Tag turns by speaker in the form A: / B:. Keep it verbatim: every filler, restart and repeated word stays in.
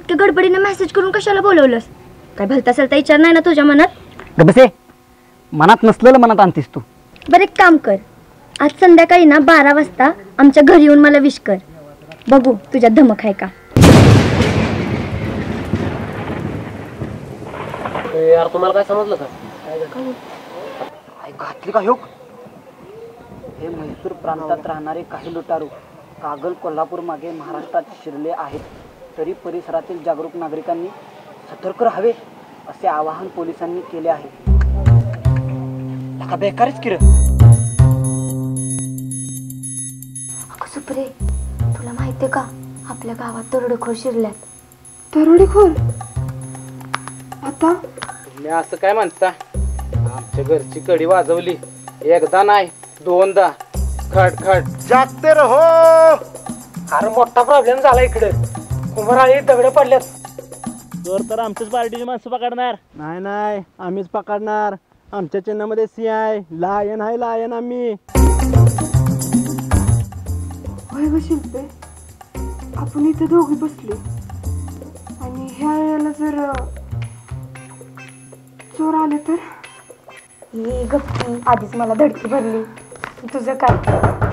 A: इतक्या गडबडीने मेसेज करून कशाला बोलवलंस? काय भलता सलता विचार नाही ना तुझ्या मनात?
B: गबसे, मनात नसलेलं मनात आणतीस तू.
A: बरं एक काम कर, आज संध्याकाळी ना बारा वाजता आमच्या घरी येऊन मला विश कर. बघू तुझ्या धमक आहे का.
C: यार तुम्हाला काय समजलं का?
B: घातली का ह्योक? हे म्हैसूर प्रांतात राहणारे काही लुटारू कागल कोल्हापूर मागे महाराष्ट्रात शिरले आहेत, तरी परिसरातील जागरूक नागरिकांनी सतर्क राहावे असे आवाहन पोलिसांनी केले आहे. लका बेकारच किर.
A: अगं सुप्रे, तुला माहितीये का आपल्या गावात दरोडेखोर शिरल्यात.
D: दरोडेखोर? आता
E: तुम्ही असं काय म्हणता? आमच्या घरची कडी वाजवली एकदा नाही दोनदा. खट खट
F: जागते रहो.
C: अरे मोठा प्रॉब्लेम झाला इकडे. कुंभाराळी दगड पडल्यात.
E: तर तर आमच्याच पार्टीची माणसं पकडणार.
G: नाही नाही, आम्हीच पकडणार. आमच्या चिन्हामध्ये सी आहे, लायन आहे, लायन आम्ही.
D: होय ग शिल्पे, आपण इथे दोघी बसले आणि ह्या वेळेला जर चोर आले तर?
A: ही गप्पी आधीच मला धडकी भरली. तुझं काय?